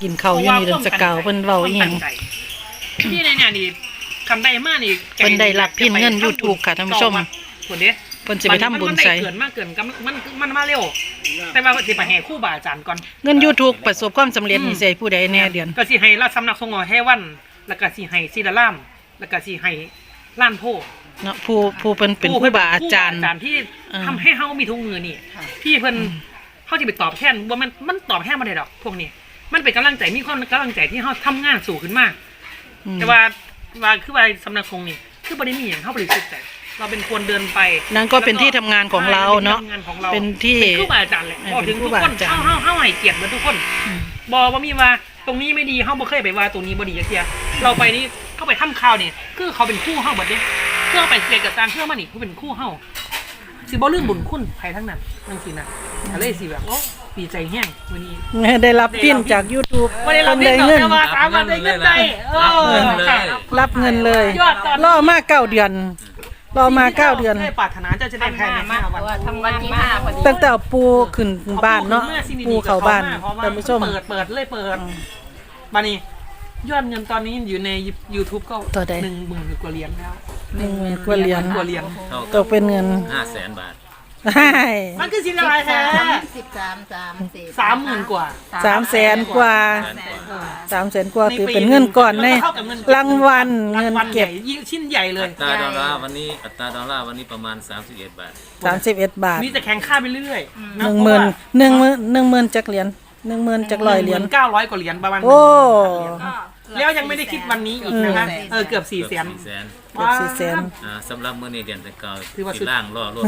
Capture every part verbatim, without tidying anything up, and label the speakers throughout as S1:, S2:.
S1: กินข้าวอยู่นี่เดือนสกาวเพิ่นเว้าอีหยัง
S2: ที่ในเนี่ยนี่คำใดมานี่
S1: เพิ่นได้รับพินเงิน YouTube ค่ะท่านผู้ชม
S2: คนเด้
S1: เพิ่นสิไปทำบุญใส่
S2: เกินมากเกินมันมันมาเร็วแต่ว่าสิไปแห่ครูบาอาจารย์ก่อน
S1: เงิน YouTube ประสบความสำเร็จนี่สิให้ผู้ใดแน่เดือน
S2: ก็สิให้ราชสำนักสงฆ์แห่วันแล้วก็สิให้ศิลาล่ามแล้วก็สิให้ล้านโพ
S1: เนาะผู้ผู้เพิ่นเป็นครูบาอาจารย์
S2: ที่ทำให้เฮามีทุกมือนี่ที่เพิ่นเฮาสิไปตอบแทนว่ามันมันตอบแทนบ่ได้ดอกพวกนี้มันเป็นกำลังใจมีความกำลังใจที่เฮาทำงานสู่ขึ้นมาแต่ว่าว่าคือว่าสำนักสงฆ์นี่คือบ่ได้มีหยังเฮาบ่ได้คิดใจเราเป็นคนเดินไป
S1: นั่นก็เป็นที่ทำงานของเราเนาะเป็นที่
S2: ครูบาอาจารย์แหละพอถึงทุกคนเฮาเฮาเฮาให้เกียรติเหมือนทุกคนบ่ว่ามีว่าตรงนี้ไม่ดีเฮาบ่เคยไปว่าตรงนี้บ่ดีจักเที่ยเราไปนี่เข้าไปทำข่าวนี่คือเขาเป็นคู่เฮาเบิดเด้เพื่อไปเสียกับการเชื่อมันนี่เขาเป็นคู่เฮาสิบ่ลืมบุญคุณไผทั้งนั้นจังซี่นะก็เลยสิแบบโอ้ดีใจแฮงมื้อนี้
S1: ได้รับพินจาก YouTube
S2: บ่ได้รับพินเงินแต่ว่าสามารถได้เงินได้เออ
S1: รับเงินเลยรอมาเก้าเดือนรอมาเก้าเดือน
S2: ได้ปรารถนาจะจะได้ภายในห้าวัน
S3: ทำวันที่ห้าพอดี
S1: ตั้งแต่ปูขึ้นบ้านเนาะปูเข้าบ้านท่านผู้ชม
S2: เปิดเปิดเลยเปิดบัดนี้ยอดเงินตอนนี้อยู่ใน YouTube ก็หนึ่งหมื่นกว่าเหรียญแล้ว
S1: หนึ่งหมื่นกว่าเหรียญ
S2: กว่าเหรียญ
S1: ตกเป็นเงิน
S4: ห้าแสนบาท
S1: ใช่
S2: มันคือสิอะไรแท้
S3: สิบสามสามสี่
S2: สามหมื่นกว่า
S1: สามแสนกว่าสามแสนกว่าถือเป็นเงินก่อนในรางวัลเงินเก็บ
S2: ชิ้นใหญ่เลย
S4: อัตราดอลลาร์วันนี้อัตราดอลลาร์วันนี้ประมาณสามสิบเอ็ดบาท
S1: สามสิบเอ็ดบาท
S2: มีแต่แข่งค่าไปเรื่อย
S1: หนึ่งหมื่นหนึ่งหมื่นหนึ่งหมื่นจักเหรียญหนึ่งหมื่นจักร้อยเหรียญ
S2: เก้าร้อยกว่าเหรียญประมาณ
S1: โอ้
S2: แล้วยังไม่ได้คิดวันนี้อีกนะคะเออเกือบสี่แสน
S1: เกือบสี่แสน
S4: อ่าสำหรับมื้อนี้เดือนตะเกาที่ล่างล่อรถ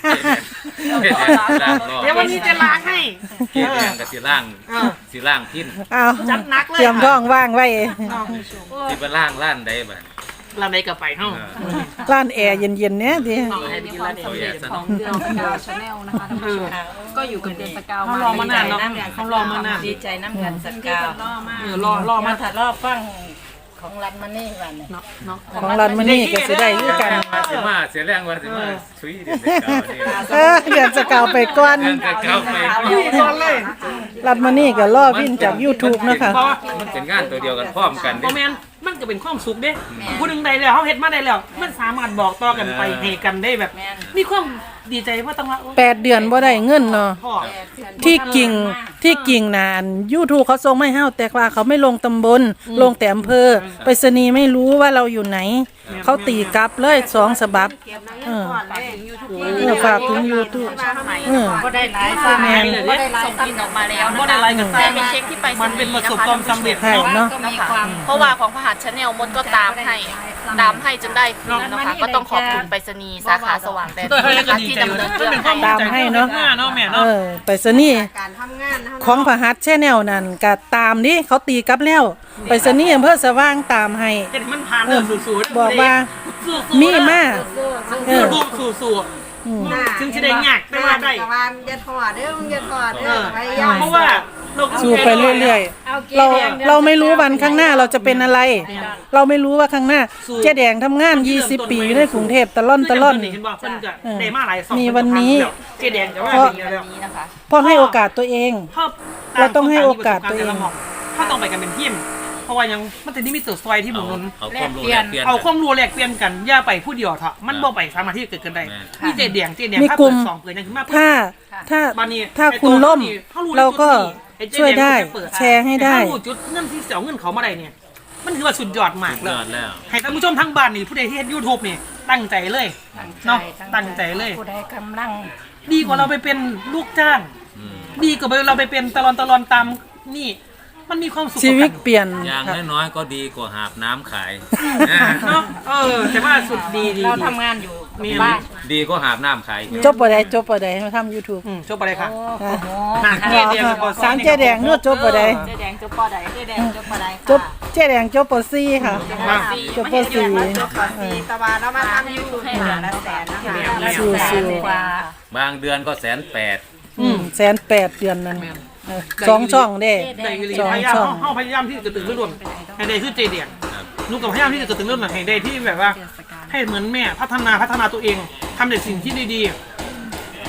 S2: เดี๋ยววันนี้จะล้างให้
S4: เกี่ยวกับสีล่างสีล่างพิน
S1: เอา
S2: จัดนักเลย
S1: เตรียมท้องว่างไว้
S4: ที่เป็นล่างล้านใดบ้าง
S2: ร้านใดก็ไปเฮ้า
S1: ร้านแอร์เย็นๆเนี้ยดิ
S3: ของเดือนสกาวชาแนลนะคะท่านผู้ชมก็อยู่กับเดือนสกาว
S2: เขารอมานานเนาะเขารอมานาน
S3: ดีใจน้ำกันสกาว
S2: เออรอรอมา
S3: ถัดรอบฟังของรันมานี่วัน
S2: เนาะเนาะ
S1: ของรันมานี่ก็สิได้ด้วยกัน
S4: สิมาเสียแรงว่าสิมาชุยเดือนสกาวนี่
S1: เออเดือนสกาวไปก่อน
S4: เดือนสกาวไป
S2: ก่อนเลย
S1: รันมานี่ก็รอพินจาก YouTube นะคะ
S4: มันเป็นงานตัวเดียวกันพร้อมกัน
S2: เด้แม่นมันก็เป็นความสุขเด้ผู้หนึ่งใดแล้วเขาเฮ็ดมาได้แล้วมันสามารถบอกต่อกันไปให้กันได้แบบมีความดีใจว่าต้องว่า
S1: แปดเดือนบ่ได้เงินเนาะที่กิ่งที่กิ่งนาน YouTube เขาส่งไม่เฮาแต่ว่าเขาไม่ลงตำบลลงแต่อำเภอไปรษณีย์ไม่รู้ว่าเราอยู่ไหนเขาตีกลับเลยสองฉบับเออเออฝากถึง YouTube เออ
S3: ก็ได้หลายซะแม่ก็ได้หลายส่งออกมาแล้ว
S2: บ่ได้หลายกันแต่
S3: เป็นเช็คที่ไป
S2: มันเป็นประสบความสำเร็จ
S1: เนาะ
S5: เพราะว่าของพหัสชาแนลมดก็ตามให้ตามให้จนได้คืนนะคะก็ต้องขอบคุณไปรษณีย์สาขาสว่างแดนดินนะคะที่ดำเนินเรื่องให้
S1: ตามให้เนาะเออไปรษณีย์ของพหัสชาแนลนั่นก็ตามดิเขาตีกลับแล้วไปรษณีย์อำเภอสว่างตามให้
S2: มันผ่านเรื่องสูด
S1: บอกว่ามีมา
S2: เออสู้ๆถึงจะได้ยากแต่ว่าได้
S3: อย่าถอดเด้ออย่าถอดเด้
S2: อเพราะว่า
S1: สู้ไปเรื่อยๆเราเราไม่รู้วันข้างหน้าเราจะเป็นอะไรเราไม่รู้ว่าข้างหน้าเจ๊แดงทำงานยี่สิบปีอยู่ในกรุงเทพตะล่อนตะล่อนมีวันนี้
S2: เจ๊แดงจะว่าเป็นแล้ว
S1: นะคะเพราะให้โอกาสตัวเองเราต้องให้โอกาสตัวเอง
S2: ถ้าต้องไปกันเป็นทีมเพราะว่ายังมันจะนี่มีตัวซอยที่หมุน
S4: เอาความรู้แลกเปลี่ยน
S2: เอาความรู้แลกเปลี่ยนกันอย่าไปผู้เดียวเถอะมันบ่ไปสามารถที่จะเกิดขึ้นได้มีเจ๊แดงเจ๊แดง
S1: ถ้าเปิด
S2: สองเปิดยังขึ้นมา
S1: ถ้าถ้าถ้าคุณล่มเราก็ช่วยได้แชร์ให้ได้
S2: ถ้ารู้จุดเงินที่เสียเงินเขามาได้เนี่ยมันถือว่าสุดยอดมากเลยให้ท่านผู้ชมทั้งบ้านนี่ผู้ใดที่เห็น YouTube นี่ตั้งใจเลยเนาะตั้งใจเลย
S3: ผู้ใดกำลัง
S2: ดีกว่าเราไปเป็นลูกจ้างดีกว่าเราไปเป็นตลอนตลอนตามนี่มันมีความสุข
S1: ชีวิตเปลี่ยน
S4: อย่างน้อยๆก็ดีกว่าหาบน้ำขาย
S2: เนาะเออแต่ว่าสุดดีดี
S3: เราทำงานอยู่บ้าน
S4: ดีก็หาบน้ำขาย
S1: จบปะได้จบปะได้มาทำ YouTube
S2: จบปะได้ค่ะ
S1: เจ๊แดงสามเจ๊แดงนู่นจบปะได้
S3: เจ๊แดงจบปะได้เจ๊แดงจบปะได้
S1: จบเจ๊แดงจบปะซี่ค่ะจบปะซี่
S3: จบปะซี่ตะวันเรามาทำ YouTube ให้เหลือละแสนนะคะ
S1: สู้
S4: ๆบางเดือนก็แสนแปด
S1: แสนแปดเดือนนั้นสองช่องเด้
S2: สองช่องเขาพยายามที่จะตื่นเรื่องให้ได้คือเจเดียงลูกกับพยายามที่จะตื่นเรื่องให้ได้ที่แบบว่าให้เหมือนแม่พัฒนาพัฒนาตัวเองทำแต่สิ่งที่ดี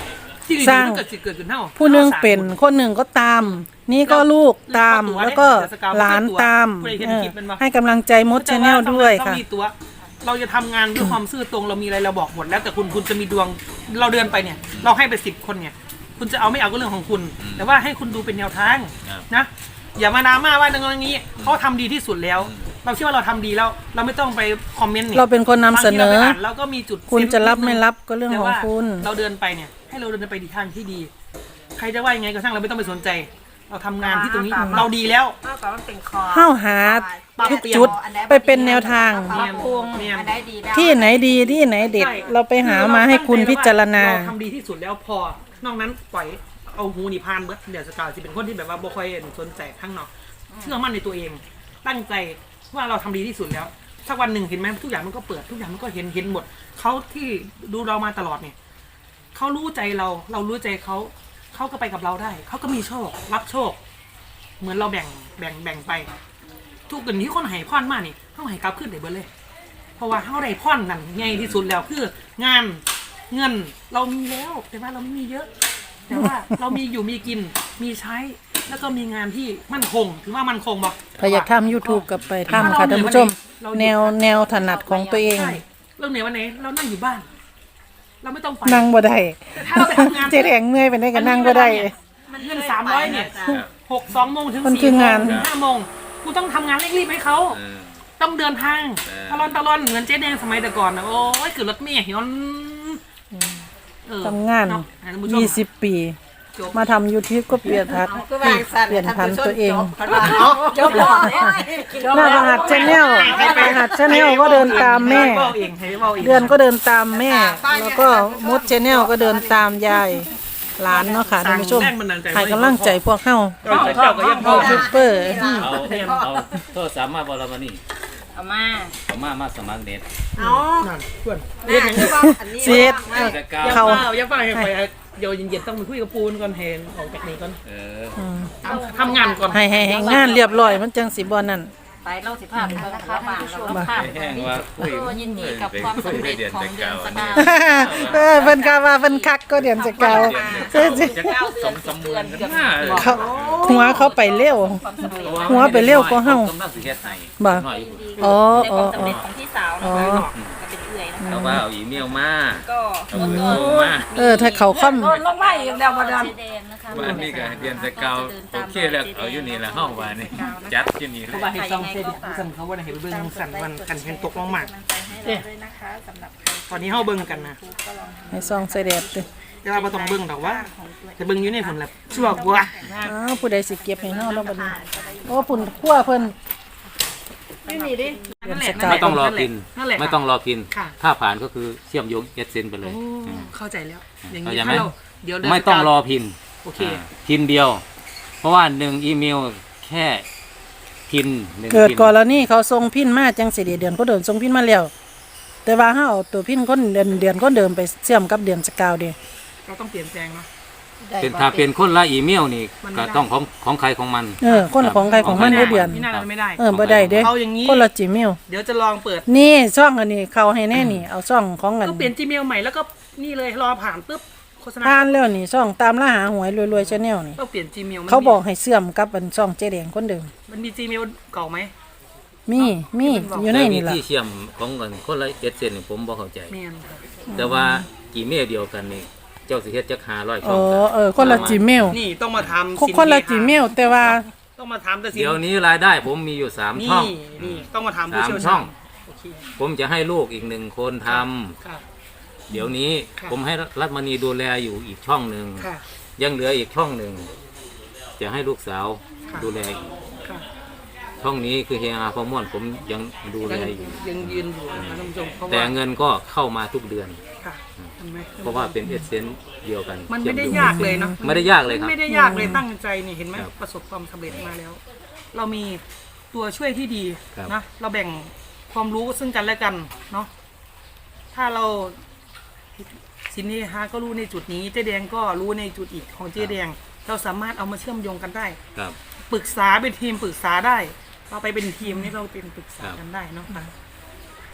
S2: ที่ดี
S1: สร้าง
S2: มันเกิดสิเกิดขึ้นเท่า
S1: ผู้หนึงเป็นคนหนึ่งก็ตาม นี่ก็ลูกตามแล้วก็หลานตามเออให้กำลังใจมดชาแนลด้วยค่ะ
S2: เรามีตัว เราจะทำงานด้วยความซื่อตรงเรามีอะไรเราบอกหมดแล้วแต่คุณคุณจะมีดวงเราเดินไปเนี่ย เราให้ไปสิบคนเนี่ย คุณจะเอาไม่เอาก็เรื่องของคุณ แต่ว่าให้คุณดูเป็นแนวทางนะอย่ามาดราม่าว่าอย่างนี้เขาทำดีที่สุดแล้ว เราเชื่อว่าเราทำดีแล้ว เราไม่ต้องไปคอมเมนต์เนี่ย
S1: เราเป็นคนนำเสนอ
S2: บางทีราไปอ่านเราก็มีจุด
S1: คุณจะรับ
S2: เซนส์นิดนึ
S1: ไม่รับก็เรื่องของคุณ
S2: แต่ว่าเราเดินไปเนี่ยให้เราเดินไปในทางที่ดี ใครจะว่ายังไงก็ช่างเราไม่ต้องไปสนใจ เราทำงานที่ตรงนี้เราดีแล้ว
S3: ก็แต่มันเป็นคอ
S1: เข้าหาทุกจุดไปเป็นแนวทาง
S3: ปรับปรุงอันใดดีได้
S1: ที่ไหนดีที่ไหนเด็ด
S2: ใช่
S1: เราไปหามาให้คุณพิจารณา
S2: เราทำดีที่สุดแล้วพอนอกนั้นปล่อยเอาหูหนีพานเบิร์ดเดี๋ยวสกาวจะเป็นคนที่แบบว่าบ่ค่อยสนใจข้างนอกเชื่อมั่นในตัวเอง ตั้งใจว่าเราทำดีที่สุดแล้วสักวันหนึ่งเห็นไหมทุกอย่างมันก็เปิดทุกอย่างมันก็เห็นเห็นหมดเขาที่ดูเรามาตลอดเนี่ยเขารู้ใจเรา เรารู้ใจเขาเขาก็ไปกับเราได้เขาก็มีโชครับโชค เหมือนเราแบ่งแบ่งแบ่งไป ทุกคนที่คนให้พรมานี่เขาให้กลับขึ้นได้เบิดเลย เพราะว่าเขาได้พรนั่นไงที่สุดแล้วคืองานเงินเรามีแล้วแต่ว่าเราไม่มีเยอะ แต่ว่าเรามีอยู่มีกินมีใช้ แล้วก็มีงานที่มั่นคงถือว่ามั่นคงบ่
S1: ใครอยากทำ YouTube กับไปทำค่ะท่านผู้ชม แนวแนวถนัดของตัวเอง
S2: ใช่เรื่องไหนวันไหนเรานั่งอยู่บ้าน เราไม่ต้องไป
S1: นั่งบ่ได้
S2: ถ้าเราไปทำงาน
S1: เจ๊แดงเมื่อยไปได้ก็นั่งบ่ได้
S2: เงินสามร้อยเนี่ยหกสองโมงถึง
S1: มันคื
S2: สี่
S1: อ
S2: โม
S1: งาง น
S2: ถึงห้าโมงกูต้องทำงานเร่งรีบให้เขา
S4: เออ
S2: ต้องเดินทาง
S4: เออ
S2: ตะลอนตะลอนเหมือนเจ๊แดงสมัยแต่ก่อนนะโอ้ยคือรถเมล์เห็นเออ
S1: ทำงาน
S2: เะท่ผู้ชม
S1: ยี่สิบปี
S2: จบ
S1: มาทำ YouTube ก็เปลี่ยนทัศน์เปลี่ยนพันตัวเอง
S3: จบแล้ว
S1: หน้ารหัสชาแนลรหัสชาแนลก็เดินตามแม่
S2: ให้เว้าเองให้เว้าเอง
S1: เดือนก็เดินตามแม่ แล้วก็มดชาแนลก็เดินตามยายหลานเนาะค่ะท่านผู้ชมให้กำลังใจพวกเข้า
S2: เจ้าเจ้าก็ยังพอ
S1: ยูทูบเบอร์
S4: เอาเอาโทรศัพท์มาบอลมานี่
S3: เอามา
S4: เอามามาสมัครเน็ต
S2: นั่นเพื่อน
S3: เรียกอย่างนี้ว่าอันนี้
S1: เสียด
S4: จะก้า
S2: อย่า
S1: เขา
S2: เฝ้าอย่าเฝ้าให้ไปเดี๋ยวเย็นๆต้องไปคุยกับปูนก่อนเห็นออกจากนี้ก่อน
S4: เออ
S1: อืม
S2: ทำงานก่อน
S1: ให้ให้ให้งานเรียบร้อยมันจังสิบ่นั่น
S3: ไปเล่าสิภาพเป็นนะคะบ้านเราภาพ
S4: แห้งว่าคุย
S3: ยินดีกับความสำเร็จของเดือนสกาว
S1: เออเพิ่นกาว่าเพิ่นคักก็เดือนจะเก่า
S4: เดือนจะสองสามเดือนกันมา
S1: เขาหัวเขาไปเร็ว หัวไปเร็วกว่าเฮา
S4: กำลังสิเฮ็ดให้
S1: บ่
S4: น้อย
S1: อ๋อ
S3: ใน
S1: อ๋
S3: ค
S1: อ
S3: วามสำ
S1: อ๋อ
S3: เร็จของพี่สาว
S1: อ๋อ
S3: นะคะก็เป็นเอื่อยนะคะ
S4: เอาว่าเอาอีเมลมา
S3: ก็
S4: เอาโทรมา
S1: เออถ้าเขาค่อม
S3: ลงไปอีกแล้วมาดัน
S4: ว่าอันนี้ก็เดือนจะเก่าโอเคแล้วเอาอยู่นี่ละห้องว่านี่จัดอยู่นี่เล
S2: เขา
S4: ย
S2: ว่าให้ซองเสียดิสั่นเขาว่าให้ไปเบิ่งสั่นวันกันเห็นตกลงมาเนี่ยตอนนี้เฮาเบิ่งกันนะ
S1: ให้ซองใส่แดดติ
S2: แต่ว่าบ่ต้องเบิ่งดอกว่าแต่เบิ่งอยู่ในผลลัพธ์ชั่วกว่า
S1: อ้าวผู้ใดสิเก็บให้เฮาแล้วบัดนี้โอ้ปุ่นคั่วเพิ่น
S2: ไม่มีดิ
S1: เดือนสกาว
S4: ไม่ต้องรอพิน
S2: นั่นแหละ
S4: ไม่ต้องรอพิน
S2: ค่ะ
S4: ถ้าผ่านก็คือเชื่อมโยงเอสเซนไปเลย
S2: โอ้เข้าใจแล้ว อย่างนี้
S4: เข้าใจไหม
S2: ถ้าเราเดี๋ยวเดืน
S4: ไม่ต้องรอพิน
S2: โอเค
S4: อ่าพินเดียว เพราะว่าหนึ่งอีเมลแค่พินหนึ่ง
S1: เกิด
S4: พิน
S1: ก่อนแล้วนี่เขาส่งพินมาจังสิเดือนก็เดินส่งพินมาแล้วแต่ว่าเฮาเอาตัวพินคนเดือนเดือนก็เดิมไปเชื่อมกับเดือนสกาวเด้
S2: เราต้องเปลี่ยนแปลงเนาะ
S4: เป็นถ้าเป็นคนละอีเมลนี่
S2: มันไม่
S4: ก็
S2: ได้
S4: ต้องของของใครของมัน
S1: เออคนละของใครของมันได้เดือน
S2: พี่นาไม่ได้
S1: เออบ่ได้เด้
S2: เอาอย่างนี้
S1: คนละจิเมล
S2: เดี๋ยวจะลองเปิด
S1: นี่ช่องอันนี้เขาให้แน่นี่ เอาช่องของอัน
S2: ก็เปลี่ยน Gmail ใหม่แล้วก็นี่เลยรอผ่านปุ๊บโฆษณา
S1: ผ่านแล้วนี่ช่องตามล่าหาหวยรวยๆชาแนลนี่
S2: ต้องเปลี่ยน Gmail มัน
S1: เขาบอกให้เชื่อมกับอันช่องเจ๊แดงคนเดิม
S2: มันมี Gmail เก่าไหม
S1: มีมีอยู่ใน
S4: แต่วิ
S1: นี่ล่ะ
S4: ธีเชื่อมของกันคนละเอสเซนนี่ผมบ่เข้าใจ
S2: แม่นค่ะ
S4: แต่ว่าอีเมลเดียวกันนี่เจ้าสิเฮ็ดจักหาร้อยช่
S1: อ๋
S4: อ
S1: อง เออคนละจิเมล
S2: นี่ต้องมาทำ
S1: คนคนละจิเมลแต่ว่า
S2: ต้องมาทำแต่สิน
S4: เดี๋ยวนี้รายได้ผมมีอยู่สาม
S2: นี่
S4: ช่อง
S2: นี่ต้องมาทำผู้
S4: สาม
S2: เชี่ยว
S4: ช่
S2: ชา
S4: อง
S2: ญโอเค
S4: ผมจะให้ลูกอีกหนึ่งคนทำ
S2: ค่ะ
S4: เดี๋ยวนี้
S2: ค่ะ
S4: ผมให้รัฐมณีดูแลอยู่อีกช่องหนึ่ง
S2: ค่ะ
S4: ยังเหลืออีกช่องหนึ่งจะให้ลูกสาว
S2: ค่ะ
S4: ดูแลอีก
S2: ค่ะ
S4: ช่องนี้คือเฮียอาพอม่วนผมยังดูแล
S2: ยัง
S4: อยู่
S2: ยังยืนอยู่นะคะท่านผู้ชมเพราะ
S4: แต่
S2: ว่า
S4: เงินก็เข้ามาทุกเดือน
S2: ค่ะเห็นไหม
S4: เพราะว่าเป็นเอเซนเดียวกัน
S2: มันไม่ได้
S4: เชื่อโง
S2: ยากเลยเนาะ
S4: ไม่ได้ยากเลยครับ
S2: ไม่ได้ยากเลยตั้งใจนี่เห็นไหม
S4: ครับ
S2: ประสบความสำเร็จมาแล้ว เรามีตัวช่วยที่ดี
S4: ครับ
S2: นะเราแบ่งความรู้ซึ่งกันและกันเนาะถ้าเราสินนี้ฮะก็รู้ในจุดนี้เจ๊แดงก็รู้ในจุดอีกของเจ๊แดง เราสามารถเอามาเชื่อมโยงกันได้
S4: ครับ
S2: ปรึกษาเป็นทีมปรึกษาได้ เราไปเป็นทีมนี่เราเป็นปรึกษา
S4: ครับ
S2: กันได้เนาะค่ะ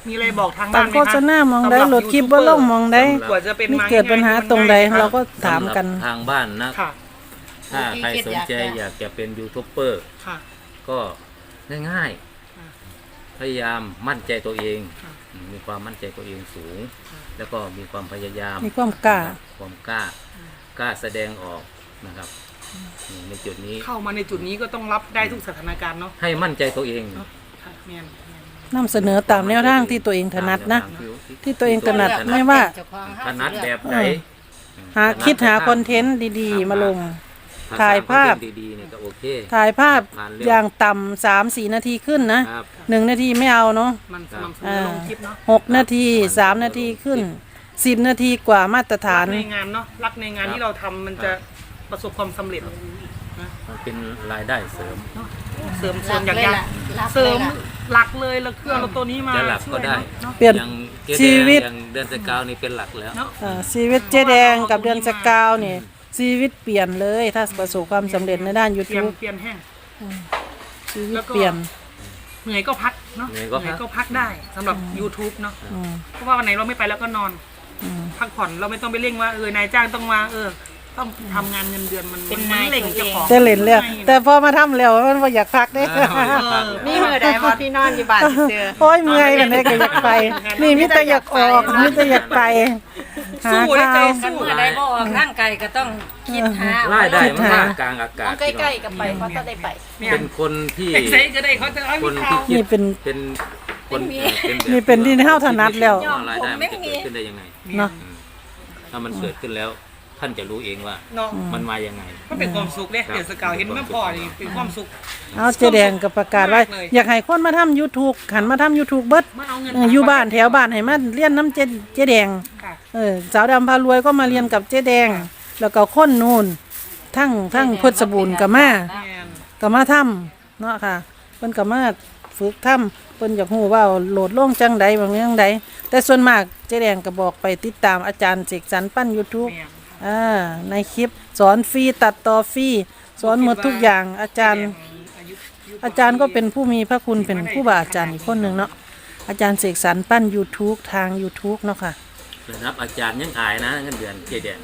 S2: มีอะไรบอกทาง
S1: ตั
S2: บ้า
S1: ด
S2: นไหม
S1: โฆษณามองได้
S2: สำหรับ
S1: โหลดคลิปบ่ลงมองได้
S2: กว่าจะเป็น
S1: มี
S2: มา
S1: เกิดปัญหาตรงใดเราก็ถามกัน
S4: สำหรับทางบ้านนะ
S2: ค่ะ
S4: ถ้าใครสนใจอยากจะเป็นยูทูบเบอร์
S2: ค่ะ
S4: ก็ง่าย
S2: ค่ะ
S4: ๆ พยายามมั่นใจตัวเอง
S2: ค่ะ
S4: มีความมั่นใจตัวเองสูง
S2: ค่ะ
S4: แล้วก็มีความพยายาม
S1: มีความกล้า
S4: ความกล้า กล้าแสดงออกนะครับในจุดนี้
S2: เข้ามาในจุดนี้ก็ต้องรับได้ทุกสถานการณ์เนาะ
S4: ให้มั่นใจตัวเอง
S2: เนาะค่ะแม่น
S1: นำเสนอตามแนวทางที่ตัวเองถนัดนะ
S4: ตามแวทาง
S1: ที่ตัวเองถนัดไม่ว่า
S4: ถนัดแบบไหน
S1: หาคิดหาคอนเทนต์ดีๆ มาลง
S4: ถ้
S1: ถ่ายภาพ
S4: สร้งคอนเทนต์ดีๆเนี่ยก็โอเค
S1: ถ่ายภาพ
S4: ผ่านเร็ว
S1: อย่างต่ำสามสี่นาทีขึ้นนะครับ หนึ่งนาทีไม่เอาเนาะ
S2: มันสม่ำเสมอ
S1: อ่า
S2: ลงคลิปเนาะ
S1: หกนาทีสามนาทีขึ้นสิบนาทีกว่ามาตรฐา
S2: รั
S1: น
S2: กในงานเนาะรักในงาน
S4: ครับ
S2: ที่เราทำมันจะประสบความสำเร็จนะ
S4: มันเป็นรายได้เสริม
S2: เสริมเสริมอย่างอย่างเสริมหลักเลยแล้วเครื่องเราตัวนี้มา
S4: จะหลักก็ได้
S2: เนาะ
S1: เปลี่ยน
S4: อย่างเจ๊
S1: ชีวิต
S4: แดงอย่างเดือนสกาวนี่เป็นหลักแล้ว
S2: เนาะ
S1: อ่าชีวิตเจ๊แดงกับเดือนสกาวนี่ชีวิตเปลี่ยนเลย ถ้าประสบความสำเร็จในด้าน
S2: เปลี่ยน
S1: YouTube
S2: เปลี่ยนแห้ง
S1: ชีวิตเปลี่ยน
S2: เหนื่อยก็พักเนาะ
S4: เหนื่อยก็พัก
S2: ก็พักได้สำหรับ YouTube เนาะ
S1: อืม
S2: เพราะว่าวันไหนเราไม่ไปแล้วก็นอน
S1: อืม
S2: พักผ่อนเราไม่ต้องไปเร่งว่าเออนายจ้างต้องมาเออ ต้องทำงานเงินเดือนมัน
S3: เป็น
S2: มัน
S3: นาย
S2: เร่ง
S3: ตัวเอง
S2: เจ้าของ
S1: แต่เล่นแล้วแต่พอมาทำแล้วมันบ่อยากพักเด้
S4: เออพัก
S3: นี่มือใดบ่ที่นอนอยู่บ้านเจอ
S1: โอ้ยเมื่อยกันเลยก็อยากไป นี่มิแต่อยากออกมิแต่อยากไปหา
S2: สู้ได้ใจ
S1: ข้าว
S3: กันมือใดบ่ออกร่างกายก็ต้องคิดหา
S4: รายได้
S1: คิด
S4: มัน
S1: หา
S4: มากกลางอากาศ
S5: ต้องใกล้ๆกับไปเขาจะได้ไป
S2: เนี่ย
S4: เป็นคนที่
S2: เอ็กไซก็ได้เขาจะเอา
S4: คน
S2: มี
S4: ที่
S2: ข่าว
S4: คิ
S1: นี่
S4: ด
S1: เป็น
S4: เป็นคนเอ่อเป็นแบบ
S1: นี่เป็นที่เฮาถนัดแล้ว
S4: ว่ารายได้มันจะเกิดขึ้นได้ยังไง
S1: เนาะ
S4: อืมถ้ามันเกิดขึ้นแล้ว ท่านจะรู้เองว่า
S2: เนาะ
S4: มันมายังไง
S2: ก็เป็นความสุขเนี่ยเดือนสกาวเห็นแม่พ่อนี่เป็นความสุข
S1: เอาเจ๊แดงก็ประกาศไว้
S2: มากเลย
S1: อยากให้คนมาทำ YouTube หันมาทำ YouTube เบิด
S2: มาเอาเงิน
S1: เอออยู่บ้านแถวบ้านให้มาเรียนน้ำเจ๊เจ๊แดง
S2: ค่ะ
S1: เออสาวดำพารวยก็มาเรียนกับเจ๊แดง แล้วก็คนนู่นทั้งทั้งเพชรบูรณ์ก็มา
S2: แม่น
S1: ก็มาทำเนาะค่ะเพิ่นก็มาฝึกทำเพิ่นอยากรู้ว่าโหลดลงจังใดบางเรื่องใดแต่ส่วนมากเจ๊แดงก็บอกไปติดตามอาจารย์เสกสรรปั้น YouTube
S2: แม่น
S1: อ่าในคลิปสอนฟรีตัดต่อฟรีสอนหมดทุกอย่างอาจารย์
S2: อายุยุ
S1: อาจารย์ก็เป็นผู้มีพระคุณเป็นผู้บาอาจารย์อีกคนหนึ่งเนาะอาจารย์เสกสรรปั้น YouTube ทาง YouTube เนาะค่ะ
S4: ระดับอาจารย์ยังอายนะเงินเดือนเจเดน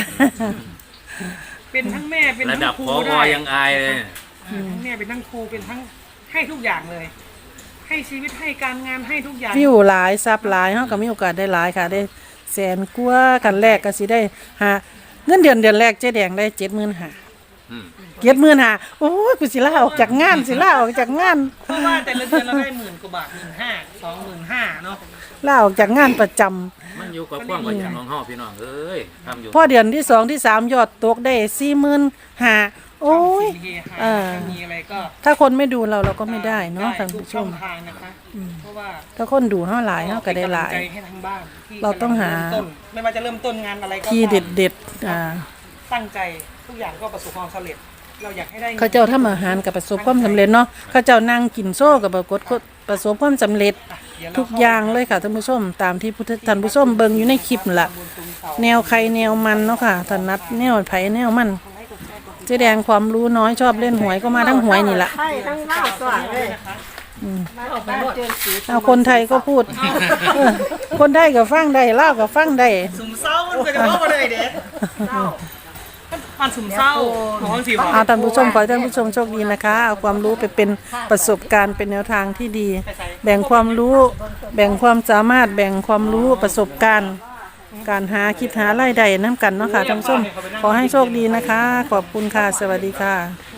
S2: เป็นทั้งแม่เป็น
S4: ระ
S2: ทั้ง
S4: ดับ
S2: ครู
S4: พอ
S2: ได้
S4: ยังอายเลย
S2: อ่าทั้งแม่เป็นทั้งครูเป็นทั้งให้ทุกอย่างเลย ให้ชีวิตให้การงานให้ทุกอย่าง
S1: วิวหลายซับหลายเฮาก็มีโอกาสได้หลายค่ะ ได้แสนกว่ากันแรกก็สิได้หาเงินเดือนเดือนแรกเจ๊แดงได้เจ็ดหมื่นห้า
S4: อืม
S1: เจ็ดหมื่นห้าโอ้ยกูสิลาออกจากงานสิลาออกจากงาน
S2: เพราะว่าแต่ละเดือนเราได้หมื่นกว่าบาทหมื่นห้าสองหมื่นห้าเนาะ
S1: ลาออกจากงานประจำ
S4: มันอยู่กับความขยันของเฮาพี่น้องเอ้ยทำอยู่
S1: พอเดือนที่สองที่สามยอดตกได้สี่หมื่นห้าโอ้ย
S2: เฮฮา
S1: อ่า
S2: มีอะไรก็
S1: ถ้าคนไม่ดูเราเราก็ไม่ได้เนาะท่าน
S2: ทุก
S1: ผู้ช
S2: ช่อ
S1: ม
S2: งทางนะคะเพราะว่า
S1: ถ้าคนดูเฮาหลายเฮาก็ได้หลาย
S2: เป็นกำลังใจให้ทางบ้านที่
S1: เราต้องหา
S2: เริ่มต้นไม่ว่าจะเริ่มต้นงานอะไรก็
S1: ที่
S2: ตาม
S1: เด็ดๆอ่า
S2: ตั้งใจทุกอย่างก็ประสบความสำเร็จ เราอยากให้ได้งิน
S1: เขาเจ้าทำอาหารกับประสบความสำเร็จเนาะเขาเจ้านั่งกินโซ่กับปรากฏประสบความสำเร็จ
S2: อ่ะเดี๋วเร
S1: ทุกอย่างเลยค่ะท่านผู้ชมตามที่ผู้ท่านผู้ชมเบิ่งอยู่ในคลิปนั่นล่ะแนวใครแนวมันเนาะค่ะถนัดแนวไผแนวมันเจ๊แดงความรู้น้อยชอบเล่นหวยก็มาทั้งหวยนี่ล่ะ
S3: ใช่ทั้งเล่าตัวเลย
S1: เอาคนไทยก็พูดเออคนไทยก็ฟังได้ลาวก็ฟังได้
S2: สุ่มเศร้ามันก็จะว่ามาเลยเด็กมันสุ่มเศร้าของสิว
S1: เอาท่านผู้ชมขอให้ท่านผู้ชมโชคดีนะคะเอาความรู้ไปเป็นประสบการณ์เป็นแนวทางที่ดี แบ่งความรู้ แบ่งความสามารถแบ่งความรู้ประสบการณ์ การหาคิดหารายได้น้ำกันเนาะค่ะท่านผู้ชมขอให้โชคดีนะคะ ขอบคุณค่ะ สวัสดีค่ะ